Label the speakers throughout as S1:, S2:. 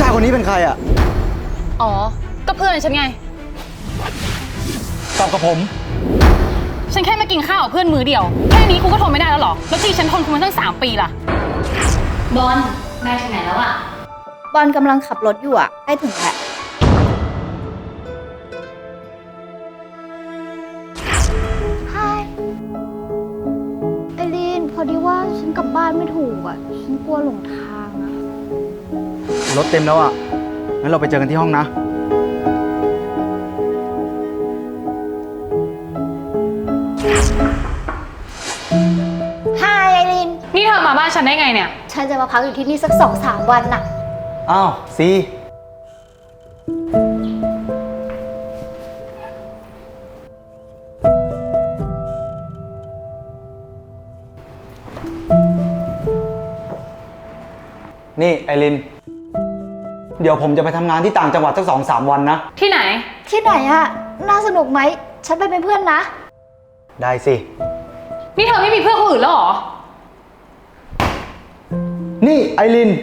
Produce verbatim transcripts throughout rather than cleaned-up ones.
S1: ายคนนี้เป็นใครอ่ะ
S2: อ๋อก็เพื่อนฉันไง
S1: ตอบกับผม
S2: ฉันแค่มากินข้าวกับเพื่อนมื้อเดียวแค่นี้คุณก็ทนไม่ได้แล้วหรอแล้วที่ฉันทนคุณมาตั้งสามปีล่ะบอลนายถึงไหนแล้วอะ
S3: บอลกำลังขับรถอยู่อะใกล้ถึงแล้วฮายไอรีนพอดีว่าฉันกลับบ้านไม่ถูกอะฉันกลัวหลงทางอะ
S1: รถเต็มแล้วอ่ะงั้นเราไปเจอกันที่ห้องนะ
S3: ฮายไอรีน
S2: นี่เธอมาบ้านฉันได้ไงเนี่ย
S3: ฉันจะมาพักอยู่ที่นี่สักสองสามวันน่ะ
S1: อ้าวซีนี่ไอรินเดี๋ยวผมจะไปทำงานที่ต่างจังหวัดสักสองสามวันนะ
S2: ที่ไหน
S3: ที่ไหนอะน่าสนุกไหมฉันไปเป็นเพื่อนนะ
S1: ได้สิ
S2: นี่เธอไม่มีเพื่อนคนอื่นแล้วหรอ
S1: นี่ไอริน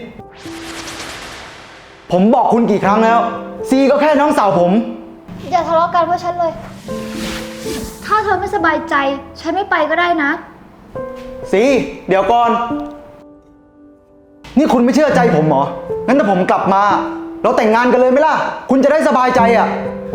S1: ผมบอกคุณกี่ครั้งแล้วซีก็แค่น้องสาวผม
S3: อย่าทะเลาะกันเพราะฉันเลยถ้าเธอไม่สบายใจฉันไม่ไปก็ได้นะ
S1: ซีเดี๋ยวก่อนนี่คุณไม่เชื่อใจผมเหรองั้นถ้าผมกลับมาเราแต่งงานกันเลยไหมล่ะคุณจะได้สบายใจอ่ะ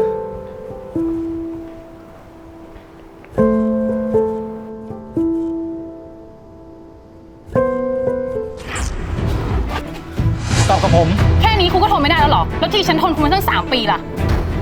S1: ตอบกับผม
S2: แค่นี้คุณก็ทนไม่ได้แล้วหรอแล้วที่ฉันทนคุณมาตั้งสามปีล่ะ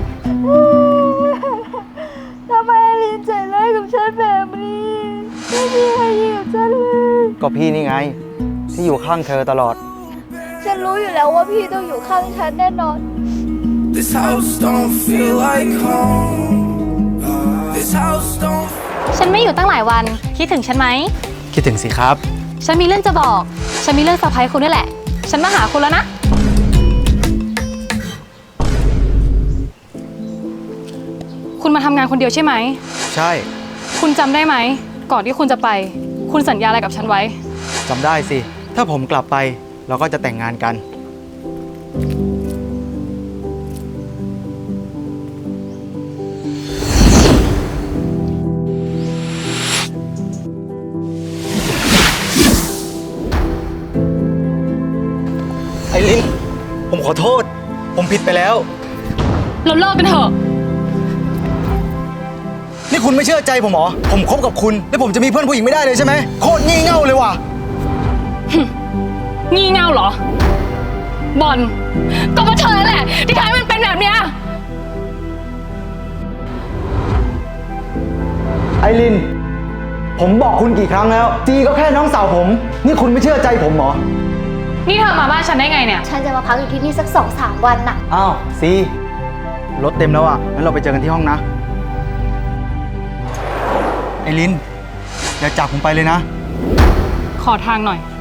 S3: ทำไมลินใจร้ายกับฉันแบบนี้ไม่มีใครดีกับฉันเลย
S1: ก็พี่นี่ไงที่อยู่ข้างเธอตลอด
S3: ฉันรู้อยู่แล้วว่าพี่ต้องอยู่ข้างฉันแน่นอน This house don't feel like home This house don't
S2: ฉันไม่อยู่ตั้งหลายวันคิดถึงฉันไหม
S1: คิดถึงสิครับ
S2: ฉันมีเรื่องจะบอกฉันมีเรื่องเซอร์ไพรส์คุณด้วยแหละฉันมาหาคุณแล้วนะคุณมาทำงานคนเดียวใช่ไหม
S1: ใช่
S2: คุณจำได้ไหมก่อนที่คุณจะไปคุณสัญญาอะไรกับฉันไว้
S1: จำได้สิถ้าผมกลับไปเราก็จะแต่งงานกันไอรินผมขอโทษผมผิดไปแล้ว
S2: เราเลิกกันเถอะ
S1: นี่คุณไม่เชื่อใจผมเหรอผมคบกับคุณแล้วผมจะมีเพื่อนผู้หญิงไม่ได้เลยใช่ไหมโคตรงี่เง่าเลยว่ะ
S2: งี่เง่าเหรอบอลก็เพราะเธอแหละที่ทำให้มันเป็นแบบเนี้ย
S1: ไอรินผมบอกคุณกี่ครั้งแล้วจีก็แค่น้องสาวผมนี่คุณไม่เชื่อใจผมเหรอ
S2: นี่เธอมาบ้านฉันได้ไงเนี่ย
S3: ฉันจะมาพักอยู่ที่นี่สักสองสามวันน่ะ
S1: อ้าวซีรถเต็มแล้วอ่ะงั้นเราไปเจอกันที่ห้องนะไอรินอย่าจากผมไปเลยนะ
S2: ขอทางหน่อย